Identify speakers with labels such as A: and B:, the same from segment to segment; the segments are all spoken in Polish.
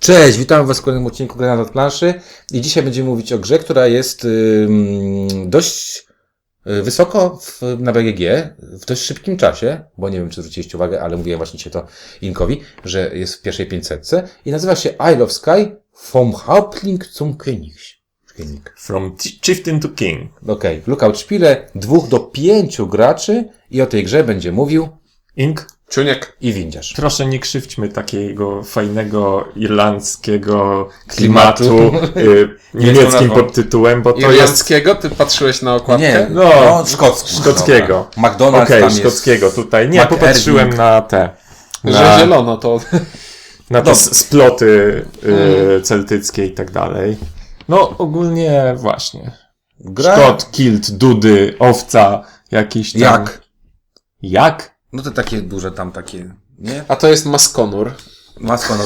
A: Cześć, witam Was w kolejnym odcinku Granat od planszy i dzisiaj będziemy mówić o grze, która jest dość wysoko na BGG, w dość szybkim czasie, bo nie wiem, czy zwróciliście uwagę, ale mówiłem właśnie dzisiaj to Inkowi, że jest w pierwszej 500 i nazywa się Isle of Skye vom Häuptling zum König.
B: From Chieftain to King.
A: Okej, Lookout Spiele 2 do 5 graczy i o tej grze będzie mówił
B: Ink.
C: Czuniek
A: i Windziarz.
B: Proszę nie krzywdźmy takiego fajnego irlandzkiego klimatu niemieckim podtytułem, bo to jest...
C: irlandzkiego? Ty patrzyłeś na okładkę?
A: Nie,
B: szkockiego.
A: McDonald's
B: Okej,
A: tam
B: szkockiego
A: jest.
B: tutaj. Nie, popatrzyłem na te...
C: Że zielono to...
B: Na te sploty celtyckie i tak dalej. No ogólnie właśnie. Szkot, kilt, dudy, owca, jakiś tam... Jak?
A: No to takie duże tam takie, nie?
C: A to jest Maskonur.
A: Maskonur,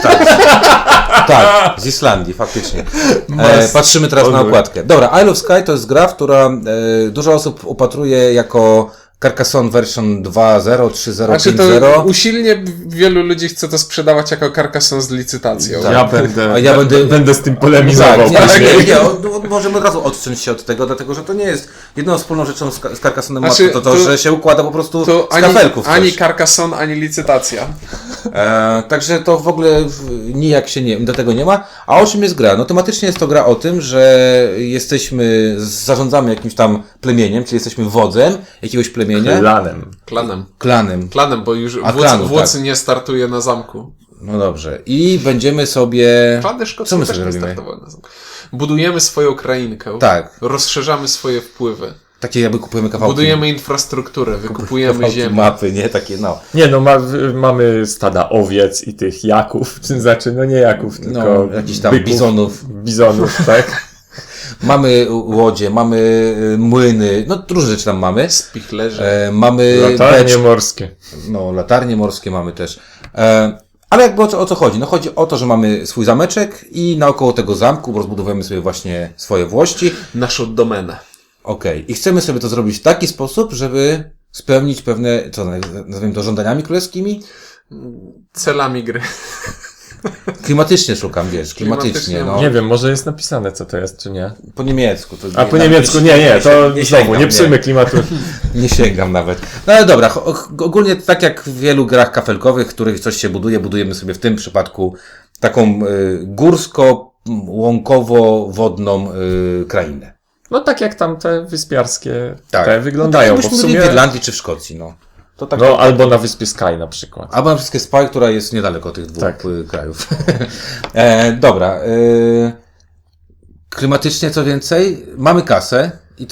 A: tak, z Islandii, faktycznie. Patrzymy teraz na okładkę. Dobra, Isle of Skye to jest gra, która dużo osób upatruje jako Carcassonne version 2.0, 3.0,
C: Znaczy
A: 5.0.
C: to usilnie wielu ludzi chce to sprzedawać jako Carcassonne z licytacją.
A: Tak.
B: Ja będę z tym polemizował.
A: Możemy od razu odciąć się od tego, dlatego że to nie jest jedną wspólną rzeczą z Carcassonem,
C: Znaczy,
A: to, że się układa po prostu
C: to
A: z kafelków.
C: ani Carcassonne, ani licytacja.
A: Także to w ogóle nijak się do tego nie ma. A o czym jest gra? No tematycznie jest to gra o tym, że zarządzamy jakimś tam plemieniem, czyli jesteśmy wodzem jakiegoś plemienia.
C: Klanem, bo już wódz nie startuje na zamku.
A: No dobrze. I będziemy sobie...
C: Klany szkockie
A: co my
C: też
A: sobie
C: nie
A: robimy?
C: startowały na zamku. Budujemy swoją krainkę.
A: Tak.
C: Rozszerzamy swoje wpływy.
A: Takie jakby kupujemy kawałki.
C: Budujemy infrastrukturę, wykupujemy ziemię.
A: Mapy, nie? Takie, no.
B: Nie, no mamy stada owiec i tych jaków, znaczy, no nie jaków, tylko
A: jakichś tam
B: byków, bizonów, tak?
A: Mamy łodzie, mamy młyny, no różne rzeczy tam mamy.
C: Spichlerze.
A: Mamy
B: latarnie morskie.
A: No, latarnie morskie mamy też. Ale jakby o co chodzi? No chodzi o to, że mamy swój zameczek i naokoło tego zamku rozbudowujemy sobie właśnie swoje włości.
C: Naszą domenę.
A: Okej. I chcemy sobie to zrobić w taki sposób, żeby spełnić pewne, nazwijmy to żądaniami królewskimi?
C: Celami gry.
A: Klimatycznie szukam, wiesz, klimatycznie, no.
B: Nie wiem, może jest napisane, co to jest, czy nie.
A: Po niemiecku.
B: A po niemiecku, nie, to znowu, nie psujmy klimatu.
A: Nie sięgam nawet. No ale dobra, ogólnie tak jak w wielu grach kafelkowych, w których coś się budujemy sobie w tym przypadku taką górsko-łąkowo-wodną krainę.
B: No tak jak tam te wyspiarskie
A: Tak.
B: te wyglądają,
A: no
B: bo
A: w
B: sumie...
A: w Irlandii czy w Szkocji, no. To tak,
B: no albo na wyspie Skye na przykład.
A: Albo na wszystkie Spy, która jest niedaleko tych dwóch krajów. Dobra. Klimatycznie co więcej, mamy kasę i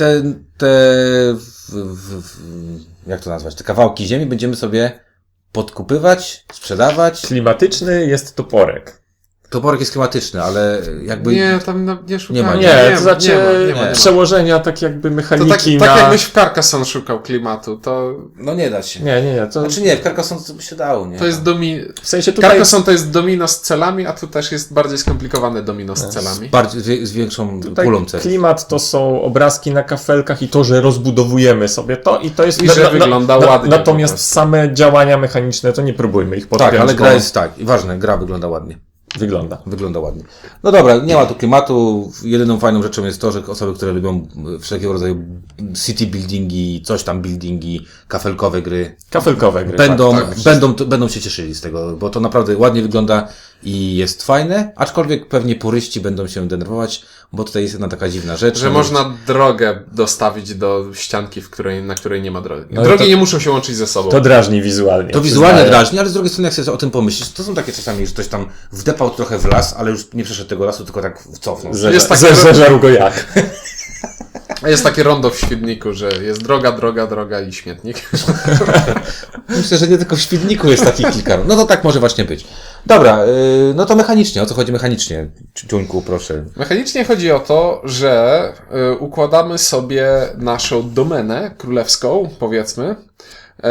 A: jak to nazwać, te kawałki ziemi będziemy sobie podkupywać, sprzedawać.
B: Klimatyczny jest toporek.
A: Toporek jest klimatyczny, ale jakby...
C: Nie, tam nie szukałem.
A: ma.
B: Nie, to znaczy
C: nie ma.
B: przełożenia tak jakby mechaniki
C: tak jakbyś w Carcassonne szukał klimatu, to...
A: No nie da się.
B: Nie. To...
A: Znaczy nie, w Carcassonne to by się dało, nie?
C: To jest
B: W sensie tutaj...
C: Carcassonne to jest domino z celami, a tu też jest bardziej skomplikowane domino z celami.
A: Z większą
B: tutaj
A: pulą cel.
B: Klimat to są obrazki na kafelkach i to, że rozbudowujemy sobie to i to jest...
C: I że wygląda ładnie.
B: Natomiast same działania mechaniczne, to nie próbujmy ich podpiąć.
A: Tak, ale gra jest tak. I ważne, gra wygląda ładnie. Wygląda ładnie. No dobra, nie ma tu klimatu. Jedyną fajną rzeczą jest to, że osoby, które lubią wszelkiego rodzaju city buildingi, coś tam buildingi, kafelkowe gry, będą się cieszyli z tego, bo to naprawdę ładnie wygląda i jest fajne, aczkolwiek pewnie puryści będą się denerwować, bo tutaj jest jedna taka dziwna rzecz.
C: Że można drogę dostawić do ścianki, na której nie ma drogi.
B: No
C: drogi nie muszą się łączyć ze sobą.
B: To drażni wizualnie.
A: To wizualnie drażni, ale z drugiej strony jak sobie o tym pomyślisz, to są takie czasami, że ktoś tam wdepał trochę w las, ale już nie przeszedł tego lasu, tylko tak cofnął.
B: Zeżarł go jak.
C: Jest takie rondo w Świdniku, że jest droga i śmietnik.
A: Myślę, że nie tylko w Świdniku jest takich kilka. No to tak może właśnie być. Dobra, no to mechanicznie. O co chodzi mechanicznie? Ciuńku, proszę.
C: Mechanicznie chodzi o to, że układamy sobie naszą domenę królewską, powiedzmy,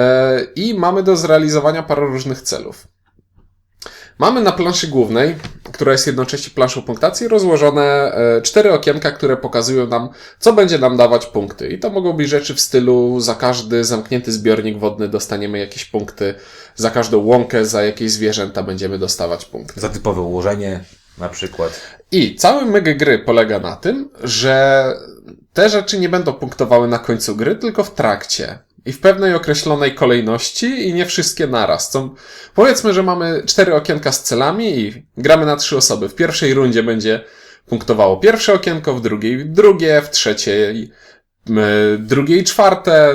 C: i mamy do zrealizowania parę różnych celów. Mamy na planszy głównej która jest jednocześnie planszą punktacji, rozłożone 4 okienka, które pokazują nam, co będzie nam dawać punkty. I to mogą być rzeczy w stylu za każdy zamknięty zbiornik wodny dostaniemy jakieś punkty, za każdą łąkę, za jakieś zwierzęta będziemy dostawać punkty.
A: Za typowe ułożenie na przykład.
C: I cały myk gry polega na tym, że te rzeczy nie będą punktowały na końcu gry, tylko w trakcie. I w pewnej określonej kolejności i nie wszystkie naraz. Powiedzmy, że mamy 4 okienka z celami i gramy na 3 osoby. W pierwszej rundzie będzie punktowało pierwsze okienko, w drugiej drugie, w trzeciej drugie i czwarte.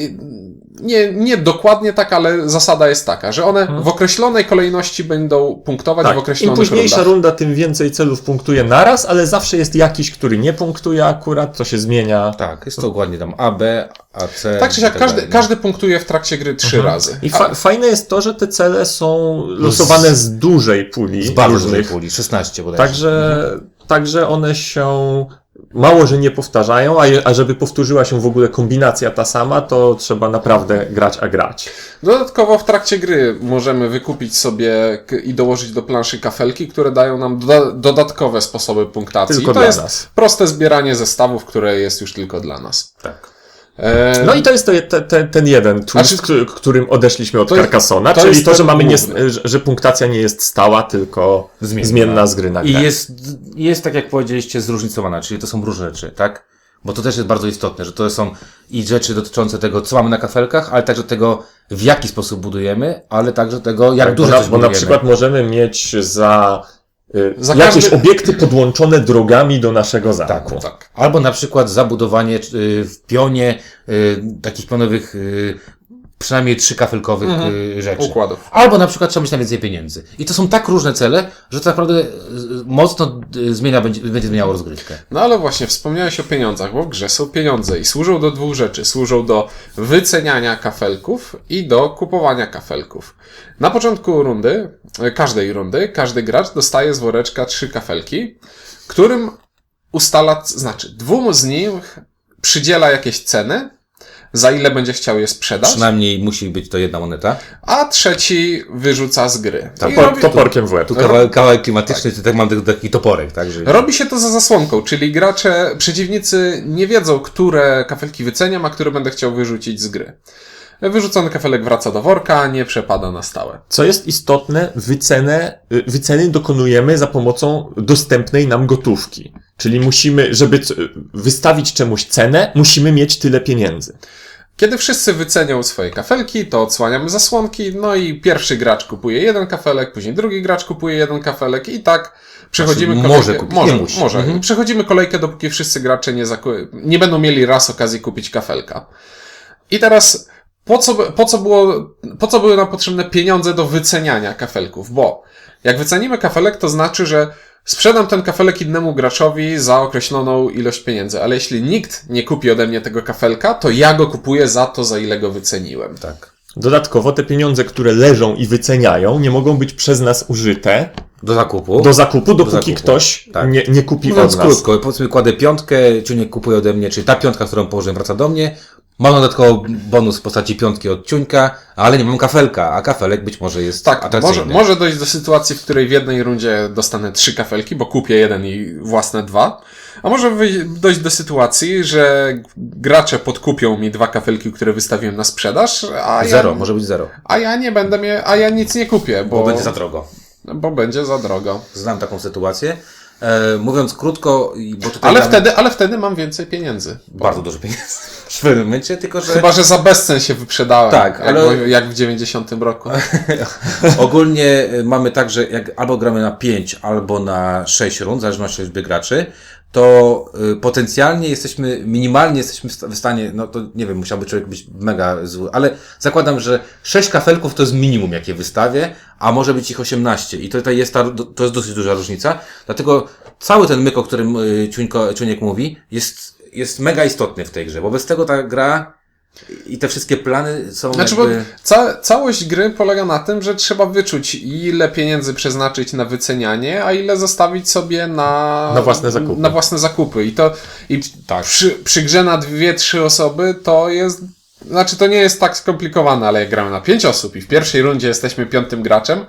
C: Nie dokładnie tak, ale zasada jest taka, że one w określonej kolejności będą punktować w określonych
B: im późniejsza
C: rundach.
B: runda, tym więcej celów punktuje naraz, ale zawsze jest jakiś, który nie punktuje akurat, to się zmienia.
A: Tak, jest to dokładnie tam A, B, A, C.
C: Tak czy siak, każdy punktuje w trakcie gry 3 razy.
B: I fajne jest to, że te cele są losowane z dużej puli
A: Z bardzo dużej
B: różnych.
A: puli, 16 bodajże.
B: Także one się mało, że nie powtarzają, a żeby powtórzyła się w ogóle kombinacja ta sama, to trzeba naprawdę grać, a grać.
C: Dodatkowo w trakcie gry możemy wykupić sobie i dołożyć do planszy kafelki, które dają nam dodatkowe sposoby punktacji.
B: Tylko
C: I to
B: dla
C: jest
B: nas.
C: proste zbieranie zestawów, które jest już tylko dla nas.
A: Tak.
B: No i to jest ten jeden twist, którym odeszliśmy od Carcassonne, czyli to, że mamy że punktacja nie jest stała, tylko zmienna z gry na grę.
A: I jest, tak jak powiedzieliście, zróżnicowana, czyli to są różne rzeczy, tak? Bo to też jest bardzo istotne, że to są i rzeczy dotyczące tego, co mamy na kafelkach, ale także tego, w jaki sposób budujemy, ale także tego, jak dużo coś
B: Bo
A: budujemy.
B: na przykład możemy mieć za jakieś obiekty podłączone drogami do naszego zamku.
C: Tak.
A: Albo na przykład zabudowanie w pionie takich pionowych przynajmniej 3 kafelkowych rzeczy.
C: Układów.
A: Albo na przykład trzeba mieć na więcej pieniędzy. I to są tak różne cele, że to naprawdę mocno będzie zmieniało rozgrywkę.
C: No ale właśnie wspomniałeś o pieniądzach, bo w grze są pieniądze i służą do 2 rzeczy. Służą do wyceniania kafelków i do kupowania kafelków. Na początku każdej rundy, każdy gracz dostaje z woreczka 3 kafelki, którym ustala, 2 z nich przydziela jakieś ceny, za ile będzie chciał je sprzedać.
A: Przynajmniej musi być to 1 moneta.
C: A trzeci wyrzuca z gry.
B: Toporkiem w łeb.
A: Tu kawałek klimatyczny, tak mam taki toporek, tak? Że...
C: Robi się to za zasłonką, czyli przeciwnicy nie wiedzą, które kafelki wyceniam, a które będę chciał wyrzucić z gry. Wyrzucony kafelek wraca do worka, nie przepada na stałe.
B: Co jest istotne, wyceny dokonujemy za pomocą dostępnej nam gotówki. Czyli musimy, żeby wystawić czemuś cenę, musimy mieć tyle pieniędzy.
C: Kiedy wszyscy wycenią swoje kafelki, to odsłaniamy zasłonki, no i pierwszy gracz kupuje 1 kafelek, później drugi gracz kupuje 1 kafelek i tak przechodzimy kolejkę.
A: Może kupić, nie musi.
C: Przechodzimy kolejkę, dopóki wszyscy gracze nie będą mieli raz okazji kupić kafelka. I teraz po co były nam potrzebne pieniądze do wyceniania kafelków? Bo jak wycenimy kafelek, to znaczy, że sprzedam ten kafelek innemu graczowi za określoną ilość pieniędzy, ale jeśli nikt nie kupi ode mnie tego kafelka, to ja go kupuję za to, za ile go wyceniłem.
A: Tak.
B: Dodatkowo te pieniądze, które leżą i wyceniają, nie mogą być przez nas użyte
A: Do zakupu,
B: dopóki ktoś nie kupi
A: Mówiąc
B: od nas.
A: krótko, powiedzmy kładę 5, Ciuniek kupuje ode mnie, czyli ta 5, którą położyłem, wraca do mnie. Mam dodatkowo bonus w postaci 5 od Ciuńka, ale nie mam kafelka, a kafelek być może jest atrakcyjny.
C: Może dojść do sytuacji, w której w jednej rundzie dostanę 3 kafelki, bo kupię 1 i własne 2. A może dojść do sytuacji, że gracze podkupią mi 2 kafelki, które wystawiłem na sprzedaż,
A: Może być 0.
C: A ja nie będę a ja nic nie kupię,
A: Bo będzie za drogo.
C: Bo będzie za drogo.
A: Znam taką sytuację. Mówiąc krótko, bo tutaj
C: ale wtedy mam więcej pieniędzy.
A: Bardzo dużo pieniędzy. W pewnym momencie, tylko że...
C: Chyba, że za bezcen się wyprzedałem.
A: Tak,
C: jak w 90 roku.
A: Ogólnie mamy tak, że jak albo gramy na 5, albo na 6 rund, w zależności od liczby graczy, to potencjalnie minimalnie jesteśmy w stanie, no to nie wiem, musiałby człowiek być mega zły, ale zakładam, że 6 kafelków to jest minimum, jakie wystawię, a może być ich 18 i tutaj to jest dosyć duża różnica, dlatego cały ten myk, o którym Ciuniek mówi, jest mega istotny w tej grze, bo bez tego ta gra i te wszystkie plany są
C: bo całość gry polega na tym, że trzeba wyczuć, ile pieniędzy przeznaczyć na wycenianie, a ile zostawić sobie na własne zakupy. Przy grze na 2-3 osoby to jest... to nie jest tak skomplikowane, ale jak gramy na 5 osób i w pierwszej rundzie jesteśmy 5. graczem,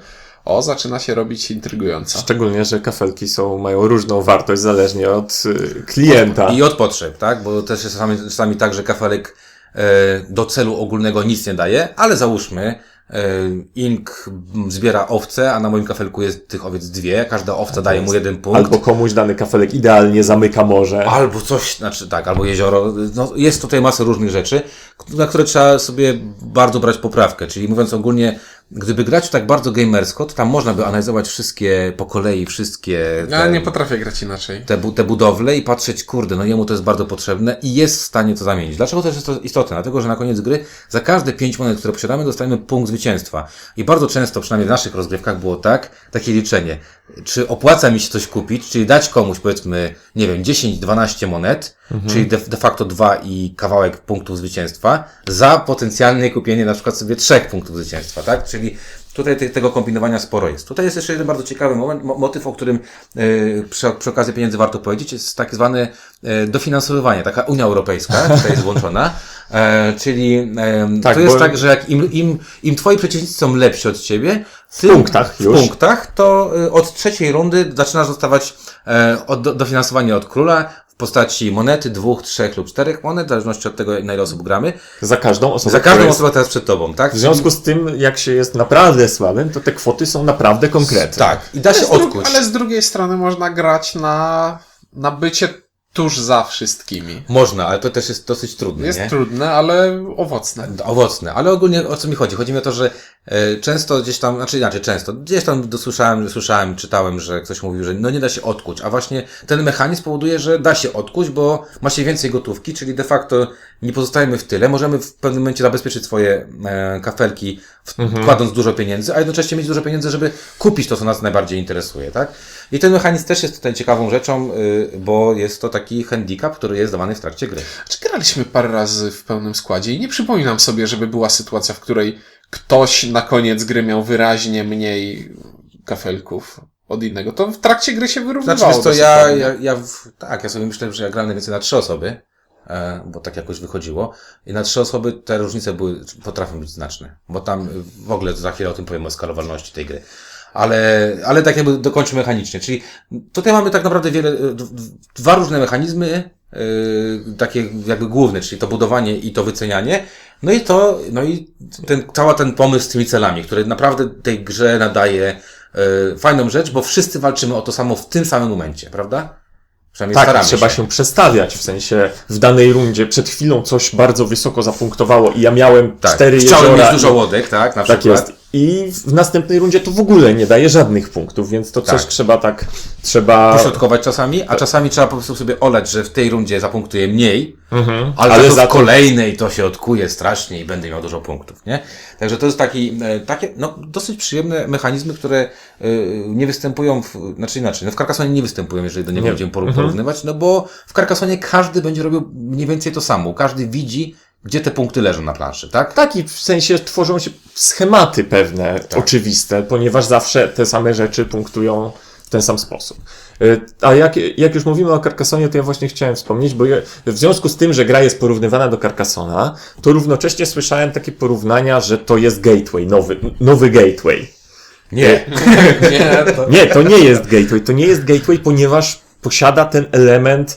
C: zaczyna się robić intrygująco.
B: Szczególnie, że kafelki mają różną wartość zależnie od klienta.
A: I od potrzeb, tak? Bo też jest czasami tak, że kafelek do celu ogólnego nic nie daje, ale załóżmy, Ink zbiera owce, a na moim kafelku jest tych owiec 2, każda owca daje mu 1 punkt.
B: Albo komuś dany kafelek idealnie zamyka morze.
A: Albo coś, znaczy tak, albo jezioro. No, jest tutaj masa różnych rzeczy, na które trzeba sobie bardzo brać poprawkę. Czyli mówiąc ogólnie, gdyby grać tak bardzo gamersko, to tam można by analizować wszystkie po kolei, wszystkie
C: Ja nie potrafię grać inaczej.
A: te budowle i patrzeć, kurde, no jemu to jest bardzo potrzebne i jest w stanie to zamienić. Dlaczego też jest to istotne? Dlatego, że na koniec gry za każde 5 monet, które posiadamy, dostajemy punkt zwycięstwa. I bardzo często, przynajmniej w naszych rozgrywkach było takie liczenie. Czy opłaca mi się coś kupić, czyli dać komuś, powiedzmy, nie wiem, 10-12 monet, czyli de facto 2 i kawałek punktów zwycięstwa, za potencjalne kupienie na przykład sobie 3 punktów zwycięstwa, tak? Czyli tutaj tego kombinowania sporo jest. Tutaj jest jeszcze jeden bardzo ciekawy motyw, o którym przy okazji pieniędzy warto powiedzieć, jest tak zwane dofinansowywanie, taka Unia Europejska tutaj jest włączona, czyli
B: Tak,
A: to jest
B: bo-
A: tak, że jak im twoi przeciwnicy są lepsi od ciebie,
B: W punktach już.
A: w punktach, to od 3. rundy zaczynasz dostawać dofinansowanie od króla w postaci monety, 2, 3 lub 4 monet, w zależności od tego, na ile osób gramy.
B: Za każdą osobę.
A: Za każdą
B: która jest-
A: osobę teraz przed tobą, tak?
B: W związku z tym, jak się jest naprawdę słabym, to te kwoty są naprawdę konkretne.
A: Tak. I da się odkuć.
C: Ale z drugiej strony można grać na bycie tuż za wszystkimi.
A: Można, ale to też jest dosyć trudne,
C: Jest
A: nie?
C: trudne, ale owocne.
A: Owocne, ale ogólnie o co mi chodzi? Chodzi mi o to, że często gdzieś tam, znaczy inaczej, często, gdzieś tam słyszałem, czytałem, że ktoś mówił, że no nie da się odkuć, a właśnie ten mechanizm powoduje, że da się odkuć, bo ma się więcej gotówki, czyli de facto nie pozostajemy w tyle, możemy w pewnym momencie zabezpieczyć swoje kafelki, wkładąc dużo pieniędzy, a jednocześnie mieć dużo pieniędzy, żeby kupić to, co nas najbardziej interesuje, tak? I ten mechanizm też jest tutaj ciekawą rzeczą, bo jest to taki handicap, który jest dawany w trakcie gry.
C: Czy graliśmy parę razy w pełnym składzie i nie przypominam sobie, żeby była sytuacja, w której ktoś na koniec gry miał wyraźnie mniej kafelków od innego. To w trakcie gry się wyrównywało.
A: Znaczy, wiesz co,
C: dosyć ładnie.
A: ja sobie myślę, że ja grałem najwięcej na 3 osoby, bo tak jakoś wychodziło. I na 3 osoby te różnice potrafią być znaczne, bo tam w ogóle za chwilę o tym powiem, o skalowalności tej gry. Ale tak jakby dokończę mechanicznie. Czyli tutaj mamy tak naprawdę dwa różne mechanizmy, takie jakby główne, czyli to budowanie i to wycenianie. No i cały ten pomysł z tymi celami, który naprawdę tej grze nadaje fajną rzecz, bo wszyscy walczymy o to samo w tym samym momencie, prawda? Przynajmniej
B: Tak,
A: staramy
B: trzeba się przestawiać, w sensie w danej rundzie przed chwilą coś bardzo wysoko zapunktowało i ja miałem 4
A: Chciałem
B: jeziora.
A: mieć dużo łodek, tak? Na
B: Tak
A: przykład.
B: jest. I w następnej rundzie to w ogóle nie daje żadnych punktów, więc to
A: Tak.
B: coś trzeba...
A: Pośrodkować czasami, a czasami trzeba po prostu sobie olać, że w tej rundzie zapunktuję mniej, ale
B: Ale
A: za
B: za
A: to w
B: to-
A: kolejnej to się odkuje strasznie i będę miał dużo punktów, nie? Także to jest takie, no, dosyć przyjemne mechanizmy, które nie występują znaczy inaczej, no w Carcassonie nie występują, jeżeli do niego
B: Nie.
A: będziemy porównywać, no bo w Carcassonie każdy będzie robił mniej więcej to samo, każdy widzi, gdzie te punkty leżą na planszy, tak?
B: Tak, i w sensie tworzą się schematy pewne, oczywiste, ponieważ zawsze te same rzeczy punktują w ten sam sposób. A jak już mówimy o Carcassonie, to ja właśnie chciałem wspomnieć, bo w związku z tym, że gra jest porównywana do Carcassona, to równocześnie słyszałem takie porównania, że to jest gateway, nowy gateway.
A: Nie.
C: Nie, to...
B: Nie, to nie jest gateway. To nie jest gateway, ponieważ posiada ten element,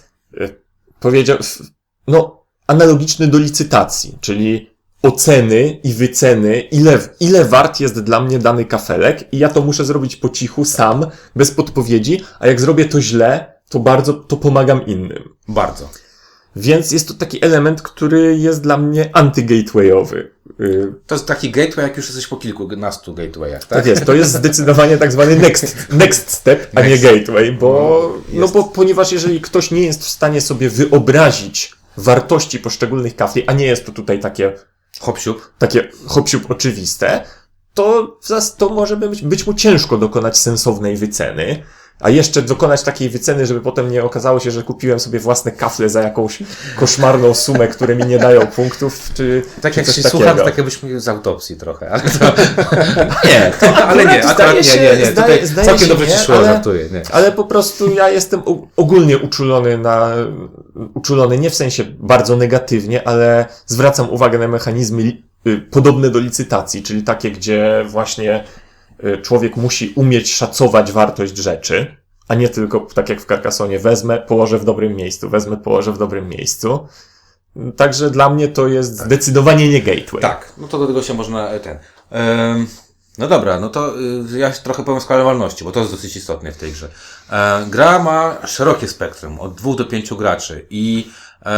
B: analogiczny do licytacji, czyli oceny i wyceny, ile wart jest dla mnie dany kafelek i ja to muszę zrobić po cichu, sam, bez podpowiedzi, a jak zrobię to źle, to pomagam innym.
A: Bardzo.
B: Więc jest to taki element, który jest dla mnie anty-gatewayowy.
A: To jest taki gateway, jak już jesteś po kilkunastu gatewayach, tak?
B: Tak jest, to jest zdecydowanie tak zwany next step, a nie gateway, bo ponieważ jeżeli ktoś nie jest w stanie sobie wyobrazić wartości poszczególnych kafli, a nie jest to tutaj takie hop-siup oczywiste, to może być mu ciężko dokonać sensownej wyceny, a jeszcze dokonać takiej wyceny, żeby potem nie okazało się, że kupiłem sobie własne kafle za jakąś koszmarną sumę, które mi nie dają punktów, czy
A: Tak
B: czy
A: jak
B: coś
A: się
B: takiego.
A: słucha, to tak jakbyśmy z autopsji trochę, ale to... nie, ale nie, akurat
B: zdaje
A: nie.
B: się,
A: Tutaj
B: zdaje
A: całkiem
B: się
A: dobrze
B: nie,
A: ci szło,
B: ale-
A: żartuję, nie.
B: Ale po prostu ja jestem ogólnie uczulony nie w sensie bardzo negatywnie, ale zwracam uwagę na mechanizmy podobne do licytacji, czyli takie, gdzie właśnie człowiek musi umieć szacować wartość rzeczy, a nie tylko, tak jak w Carcassonie, wezmę, położę w dobrym miejscu, wezmę, położę w dobrym miejscu. Także dla mnie to jest zdecydowanie nie gateway.
A: Tak, no to do tego się można no dobra, no to ja trochę powiem o skalowalności, bo to jest dosyć istotne w tej grze. Gra ma szerokie spektrum, od 2 do 5 graczy i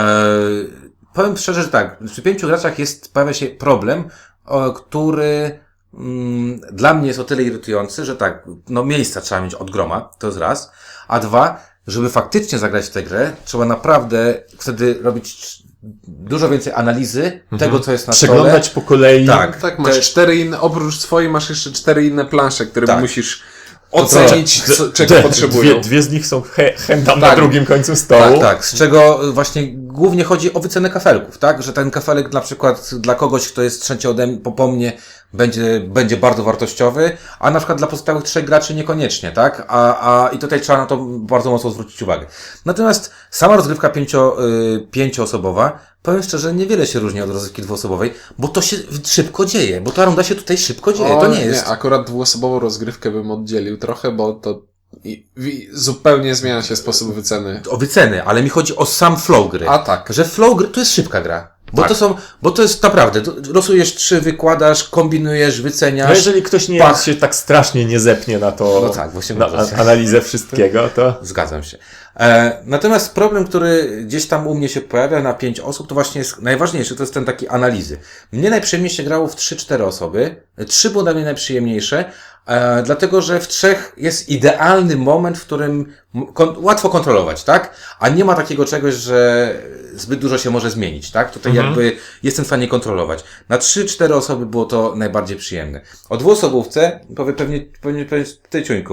A: powiem szczerze, że tak, przy 5 graczach pojawia się problem, który dla mnie jest o tyle irytujący, że tak, no miejsca trzeba mieć od groma, to jest raz, a dwa, żeby faktycznie zagrać w tę grę, trzeba naprawdę wtedy robić dużo więcej analizy tego, co jest na stole.
B: Przeglądać po kolei.
C: Tak, masz 4 inne, oprócz swojej masz jeszcze 4 inne plansze, które
A: Tak.
C: musisz ocenić, czego potrzebują.
B: Dwie z nich są tam na
C: Tak.
B: drugim końcu stołu.
A: Tak, z czego właśnie głównie chodzi o wycenę kafelków, tak? Że ten kafelek na przykład dla kogoś, kto jest trzeci po mnie, będzie bardzo wartościowy, a na przykład dla pozostałych 3 graczy niekoniecznie, tak? I tutaj trzeba na to bardzo mocno zwrócić uwagę. Natomiast sama rozgrywka 5-osobowa, powiem szczerze, niewiele się różni od rozgrywki 2-osobowej, bo to się szybko dzieje, bo ta runda się tutaj szybko dzieje, to nie jest...
C: Nie, akurat 2-osobową rozgrywkę bym oddzielił trochę, bo to zupełnie zmienia się sposób wyceny.
A: O wyceny, ale mi chodzi o sam flow gry.
C: A tak.
A: Że flow gry to jest szybka gra. Bo to jest naprawdę, losujesz 3, wykładasz, kombinujesz, wyceniasz.
B: No jeżeli ktoś się tak strasznie nie zepnie na to,
A: No tak, właśnie
B: na
A: mówię.
B: analizę wszystkiego, to...
A: Zgadzam się. Natomiast problem, który gdzieś tam u mnie się pojawia na 5 osób, to właśnie jest najważniejszy, to jest ten taki analizy. Mnie najprzyjemniej się grało w 3-4 osoby. 3 było dla mnie najprzyjemniejsze, dlatego że w 3 jest idealny moment, w którym łatwo kontrolować, tak? A nie ma takiego czegoś, że zbyt dużo się może zmienić, tak? Tutaj jakby jestem w stanie kontrolować. Na 3-4 osoby było to najbardziej przyjemne. O 2-osobówce pewnie ty, Ciuńku,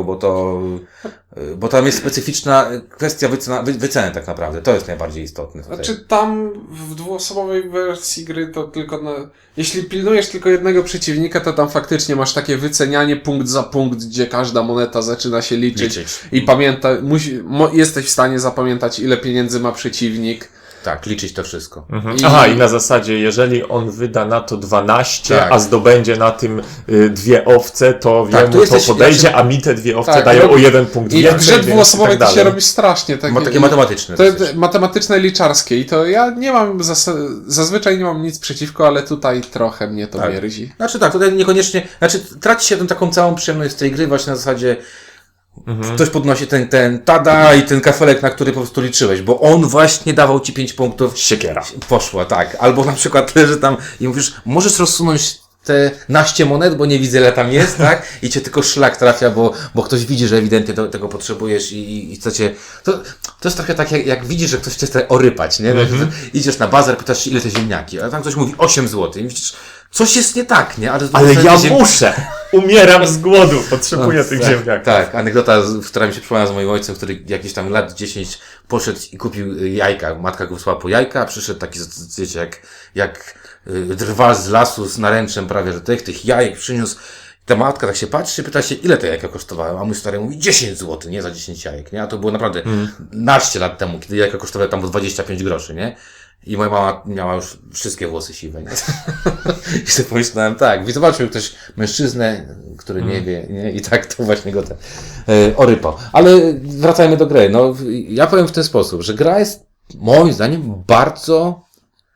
A: bo tam jest specyficzna kwestia wyceny tak naprawdę. To jest najbardziej istotne. Tutaj.
C: Znaczy tam w 2-osobowej wersji gry to tylko jeśli pilnujesz tylko jednego przeciwnika, to tam faktycznie masz takie wycenianie punkt za punkt, gdzie każda moneta zaczyna się liczyć. I jesteś w stanie zapamiętać, ile pieniędzy ma przeciwnik.
A: Tak, liczyć to wszystko.
B: Aha, i na zasadzie, jeżeli on wyda na to 12,
A: Tak.
B: a zdobędzie na tym 2 owce, to
A: Tak,
B: to podejdzie, a mi te 2 owce dają o 1 punkt
C: I
B: więcej.
C: w grze 2-osobowej to się
B: dalej.
C: robi strasznie.
A: Takie matematyczne.
C: To jest matematyczne, liczarskie i to ja nie mam, zazwyczaj nie mam nic przeciwko, ale tutaj trochę mnie to mierzi.
A: Znaczy tak, tutaj niekoniecznie, traci się tę taką całą przyjemność z tej gry właśnie na zasadzie ktoś podnosi ten tada i ten kafelek, na który po prostu liczyłeś, bo on właśnie dawał ci 5 punktów.
B: Siekiera.
A: Poszła, tak. Albo na przykład leży tam i mówisz, możesz rozsunąć te 12 monet, bo nie widzę, ile tam jest, tak? I cię tylko szlak trafia, bo ktoś widzi, że ewidentnie tego potrzebujesz i chce cię... To jest trochę tak, jak widzisz, że ktoś chce orypać, nie? Idziesz na bazar, pytasz się, ile te ziemniaki, a tam ktoś mówi 8 zł. I widzisz, coś jest nie tak, nie?
B: Ale ja muszę! Umieram z głodu, potrzebuję tych ziemniaków.
A: Tak, anegdota, która mi się przypomniała z moim ojcem, który jakiś tam lat 10 poszedł i kupił jajka. Matka go wysłała po jajka, a przyszedł taki, wiecie, jak drwal z lasu z naręczem prawie, że tych jajek przyniósł. Ta matka tak się patrzy, pyta się, ile te jajka kosztowały, a mój stary mówi 10 zł, nie? Za 10 jajek, nie? A to było naprawdę naście lat temu, kiedy jajka kosztowały tam 25 groszy, nie? I moja mama miała już wszystkie włosy siwe, nie? I sobie pomyślałem, tak, zobaczył ktoś mężczyznę, który nie wie, nie? I tak to właśnie go orypał. Ale wracajmy do gry. No, ja powiem w ten sposób, że gra jest moim zdaniem bardzo...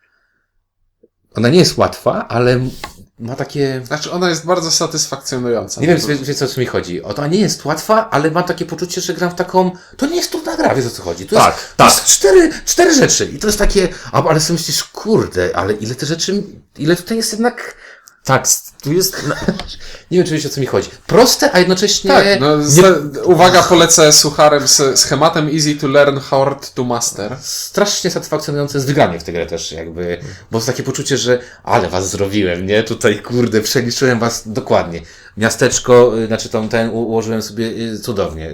A: Ona nie jest łatwa, ale ma takie...
C: Znaczy ona jest bardzo satysfakcjonująca.
A: Nie wiem, wiecie o co mi chodzi. Ona nie jest łatwa, ale mam takie poczucie, że gram w taką... To nie jest trudna gra, wiesz o co chodzi. To jest 4 rzeczy. I to jest takie... Ale sobie myślisz, kurde, ale ile te rzeczy... Ile tutaj jest jednak...
B: Tak, tu jest...
A: Nie wiem, czy wiecie o co mi chodzi. Proste, a jednocześnie...
C: Tak, uwaga, polecę sucharem z schematem easy to learn, hard to master.
A: Strasznie satysfakcjonujące jest wygranie w tę grę też, jakby, bo jest takie poczucie, że ale was zrobiłem, nie? Tutaj, kurde, przeliczyłem was dokładnie. Miasteczko, znaczy ten ułożyłem sobie cudownie.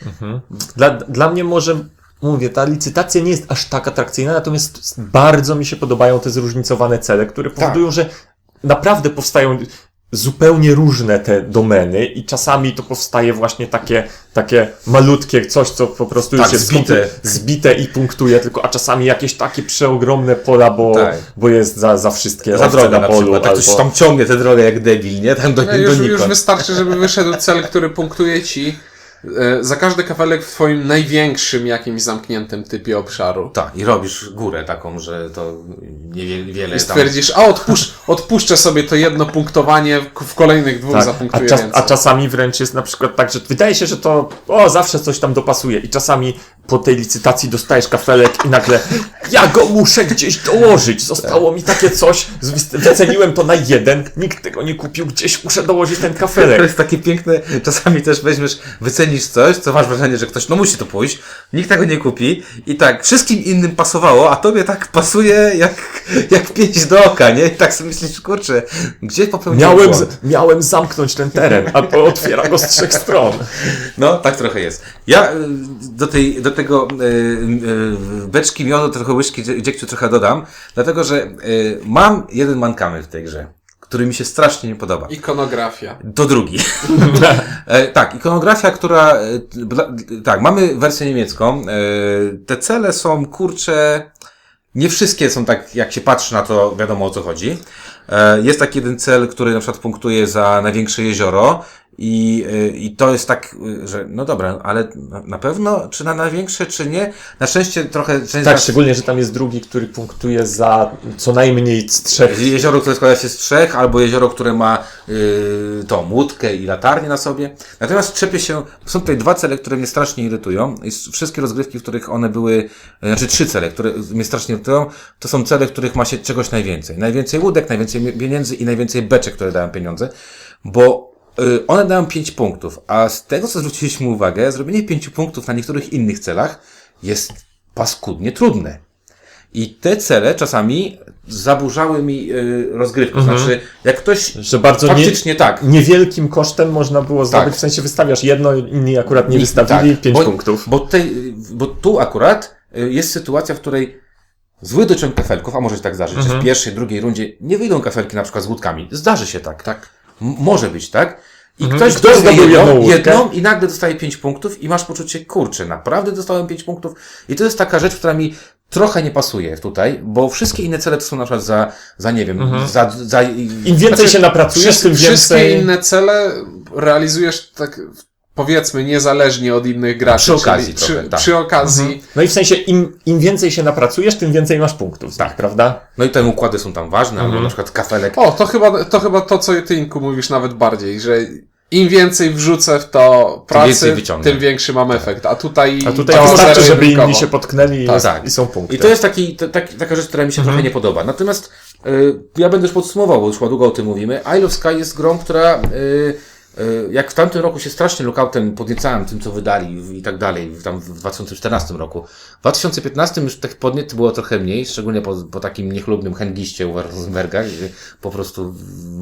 B: Dla mnie może... Mówię, ta licytacja nie jest aż tak atrakcyjna, natomiast bardzo mi się podobają te zróżnicowane cele, które powodują, że naprawdę powstają zupełnie różne te domeny i czasami to powstaje właśnie takie malutkie coś, co po prostu
A: Tak,
B: już jest
A: zbite.
B: zbite i punktuje tylko, a czasami jakieś takie przeogromne pola,
A: Tak.
B: bo jest za wszystkie
A: Za
B: owce
A: drogę
B: na
A: na
B: polu.
A: przykład. Tak ktoś
B: albo...
A: tam ciągnie tę drogę jak debil, nie? Tam
C: No już
A: donikąd.
C: wystarczy, żeby wyszedł cel, który punktuje ci za każdy kafelek w twoim największym jakimś zamkniętym typie obszaru.
A: Tak, i robisz górę taką, że to niewiele
C: I stwierdzisz, odpuszczę sobie to jedno punktowanie, w kolejnych dwóch
B: Tak,
C: zapunktuję
B: a
C: więcej.
B: czasami wręcz jest na przykład tak, że wydaje się, że to zawsze coś tam dopasuje i czasami po tej licytacji dostajesz kafelek i nagle ja go muszę gdzieś dołożyć, zostało mi takie coś, wyceniłem to na 1, nikt tego nie kupił, gdzieś muszę dołożyć ten
A: To
B: kafelek.
A: jest takie piękne, czasami też weźmiesz, wycenisz coś, co masz wrażenie, że ktoś, no musi to pójść, nikt tego nie kupi i tak, wszystkim innym pasowało, a tobie tak pasuje jak pięść do oka, nie? I tak sobie myślisz, kurczę, gdzie popełniłem błąd?
B: Miałem zamknąć ten teren, a otwiera go z 3 stron.
A: No, tak trochę jest. Ja do tego beczki miodu, trochę łyżki dziegciu trochę dodam, dlatego, że mam jeden mankament w tej grze, który mi się strasznie nie podoba.
C: Ikonografia.
A: To drugi. Tak, ikonografia, która... Tak, mamy wersję niemiecką. Te cele są, kurcze... Nie wszystkie są tak, jak się patrzy na to, wiadomo o co chodzi. Jest taki jeden cel, który na przykład punktuje za największe jezioro i to jest tak, że no dobra, ale na pewno, czy na największe, czy nie? Na szczęście trochę...
B: Tak, szczególnie, że tam jest drugi, który punktuje za co najmniej z 3.
A: Jezioro, które składa się z 3, albo jezioro, które ma tą łódkę i latarnię na sobie. Natomiast są tutaj 2 cele, które mnie strasznie irytują. I wszystkie rozgrywki, w których one były, znaczy 3 cele, które mnie strasznie irytują, to są cele, w których ma się czegoś najwięcej. Najwięcej łódek, najwięcej pieniędzy i najwięcej beczek, które dają pieniądze. Bo one dają 5 punktów, a z tego, co zwróciliśmy uwagę, zrobienie 5 punktów na niektórych innych celach jest paskudnie trudne. I te cele czasami zaburzały mi rozgrywkę. Znaczy, jak ktoś
B: Że bardzo
A: faktycznie tak.
B: niewielkim kosztem można było zdobyć,
A: Tak.
B: w sensie wystawiasz jedno, inni akurat nie
A: I-
B: wystawili,
A: tak,
B: 5
A: bo-
B: punktów.
A: Bo tu akurat jest sytuacja, w której zły dociąg kafelków, a może się tak zdarzyć, że w pierwszej, drugiej rundzie nie wyjdą kafelki na przykład z łódkami. Zdarzy się tak.
C: Tak.
A: Może być, tak? I
B: Mhm.
A: ktoś
B: Ktoś
A: weźmie
B: zdobył jedną łódkę.
A: jedną i nagle dostaje 5 punktów i masz poczucie, kurczę, naprawdę dostałem 5 punktów. I to jest taka rzecz, która mi trochę nie pasuje tutaj, bo wszystkie inne cele to są na przykład za nie wiem, za...
B: Im więcej się napracujesz, tym
C: Wszystkie
B: więcej...
C: inne cele realizujesz tak, powiedzmy, niezależnie od innych graczy.
A: Przy okazji
C: czyli
A: trochę, tak.
C: przy okazji.
B: No i w sensie im więcej się napracujesz, tym więcej masz punktów, tak, prawda?
A: No i te układy są tam ważne, albo na przykład kafelek.
C: O, to chyba to, co ty, Inku, mówisz nawet bardziej, że im więcej wrzucę w to pracy,
A: więcej wyciągnę.
C: tym większy mam efekt. A tutaj
B: A wystarczy, żeby
C: zero-jedynkowo.
B: inni się potknęli
A: Tak.
B: i są punkty.
A: I to jest taka rzecz, która mi się trochę nie podoba. Natomiast ja będę już podsumował, bo już długo o tym mówimy. Isle of Sky jest grą, która jak w tamtym roku się strasznie lookoutem podniecałem tym, co wydali i tak dalej, tam w 2014 roku. W 2015 już tych podniet było trochę mniej, szczególnie po takim niechlubnym hęgiście u Rosenberga, gdzie po prostu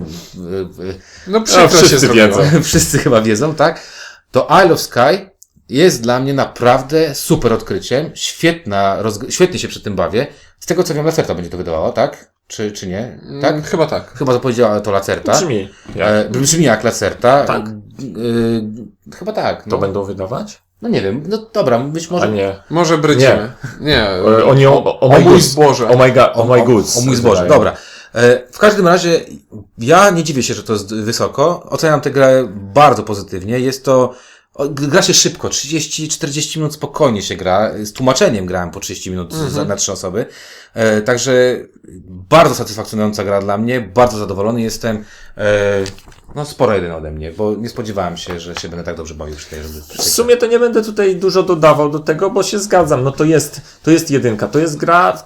C: No przykro się
B: wszyscy
C: zrobiło.
B: wiedzą.
A: wszyscy chyba wiedzą, tak? To Isle of Sky jest dla mnie naprawdę super odkryciem, świetnie się przy tym bawię. Z tego co wiem, Lacerta będzie to wydawała, tak? Czy nie? Tak?
C: Chyba tak.
A: Chyba to powiedziała to Lacerta.
B: Brzmi. Jak
A: Brzmi jak Lacerta.
B: Tak.
A: Chyba tak.
B: to
A: No.
B: będą wydawać?
A: No nie wiem, no dobra, być
B: A
A: może...
B: nie.
C: Może brydzimy. Nie.
B: Oni
C: o
B: my
C: mój
B: goods.
C: zboże.
B: O my goods.
A: O mój zboże,
B: wydają.
A: dobra. W każdym razie, ja nie dziwię się, że to jest wysoko. Oceniam tę grę bardzo pozytywnie. Jest to... Gra się szybko, 30-40 minut spokojnie się gra. Z tłumaczeniem grałem po 30 minut na 3 osoby. Także bardzo satysfakcjonująca gra dla mnie. Bardzo zadowolony jestem. No sporo jeden ode mnie, bo nie spodziewałem się, że się będę tak dobrze bawił przy tej
B: W sumie to nie będę tutaj dużo dodawał do tego, bo się zgadzam. No to jest jedynka. To jest gra,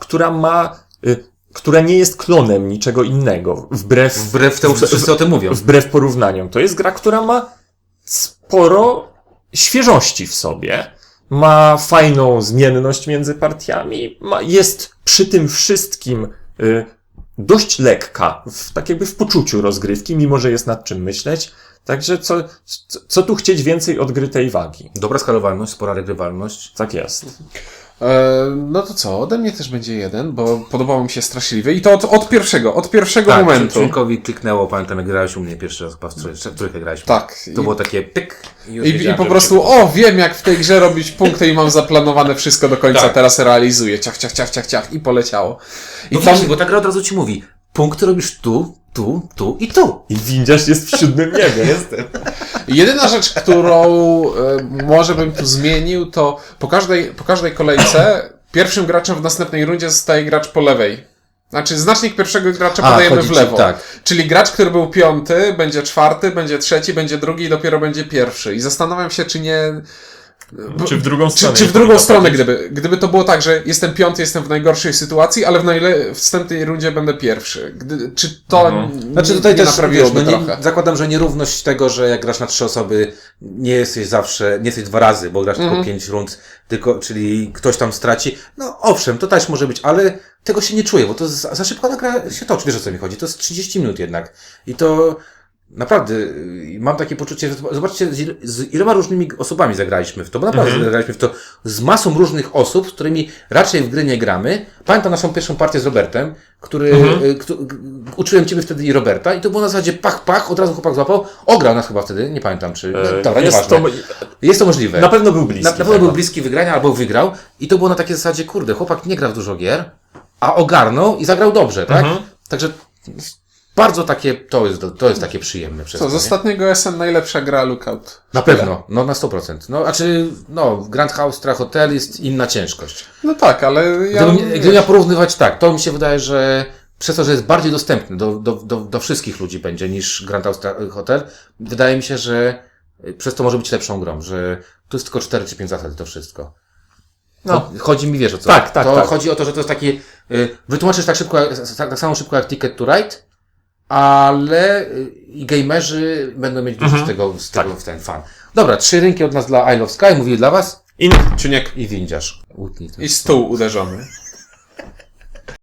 B: która nie jest klonem niczego innego.
A: Wbrew temu, co wszyscy o tym mówią.
B: Wbrew porównaniom. To jest gra, która ma sporo świeżości w sobie. Ma fajną zmienność między partiami. Jest przy tym wszystkim dość lekka, tak jakby w poczuciu rozgrywki, mimo że jest nad czym myśleć. Także co tu chcieć więcej od gry tej wagi?
A: Dobra skalowalność, spora regrywalność.
B: Tak jest.
C: No to co, ode mnie też będzie 1, bo podobało mi się straszliwie i to od pierwszego
A: Tak,
C: momentu.
A: członkowi kliknęło, pamiętam jak grałeś u mnie pierwszy raz, chyba w trójkę graliśmy.
C: Tak.
A: To było takie pyk już
C: I
A: wiedziałem,
C: po
A: że
C: prostu, wiem jak w tej grze robić punkty i mam zaplanowane wszystko do końca,
A: Tak.
C: teraz realizuję, ciach i poleciało. I
A: No właśnie, bo ta gra od razu ci mówi, punkty robisz tu i tu.
B: I windziarz jest w 7. niebie. Jestem.
C: Jedyna rzecz, którą może bym tu zmienił, to po każdej kolejce pierwszym graczem w następnej rundzie zostaje gracz po lewej. Znaczy znacznik pierwszego gracza podajemy
A: chodzi
C: w
A: ci-
C: lewo.
A: tak.
C: Czyli gracz, który był 5, będzie 4, będzie 3, będzie 2 i dopiero będzie 1. I zastanawiam się, czy nie...
B: Czy w drugą stronę?
C: Czy w drugą stronę, gdyby to było tak, że jestem 5, jestem w najgorszej sytuacji, ale w wstępnej rundzie będę 1. Czy to
A: Znaczy tutaj
C: nie
A: też,
C: naprawiłoby
A: wiesz,
C: trochę?
A: zakładam, że nierówność tego, że jak grasz na 3 osoby, nie jesteś 2 razy, bo grasz tylko 5 rund, czyli ktoś tam straci. No owszem, to też może być, ale tego się nie czuję, bo to za szybko ta gra się toczy, wiesz o co mi chodzi, to jest 30 minut jednak. I to naprawdę, mam takie poczucie, że zobaczcie, z iloma różnymi osobami zagraliśmy w to, bo naprawdę zagraliśmy w to z masą różnych osób, z którymi raczej w gry nie gramy. Pamiętam naszą pierwszą partię z Robertem, uczyłem ciebie wtedy i Roberta i to było na zasadzie pach, od razu chłopak złapał, ograł nas chyba wtedy, nie pamiętam czy, dobra, nieważne. Jest to możliwe.
B: Na pewno był bliski.
A: Na pewno był bliski wygrania albo wygrał i to było na takiej zasadzie, kurde, chłopak nie gra w dużo gier, a ogarnął i zagrał dobrze, tak? Także bardzo takie, to jest takie przyjemne przez
C: Co,
A: to,
C: z
A: nie?
C: ostatniego SN najlepsza gra Lookout.
A: Na pewno, no na 100%. No, Grand Austria Hotel jest inna ciężkość.
C: No tak, ale ja...
A: Gdybym miał porównywać tak, to mi się wydaje, że przez to, że jest bardziej dostępny do wszystkich ludzi będzie niż Grand Austria Hotel, wydaje mi się, że przez to może być lepszą grą, że tu jest tylko 4 czy 5 zasad to wszystko.
B: No.
A: Chodzi mi, wiesz o co?
B: Tak.
A: Chodzi o to, że to jest taki, wytłumaczysz tak samo szybko jak Ticket to Ride, ale i gamerzy będą mieć dużo z tego w ten fan. Dobra, 3 rynki od nas dla Isle of Sky, mówili dla was.
C: Czuniek
A: I windziarz. Łutnij to.
C: i stół uderzony.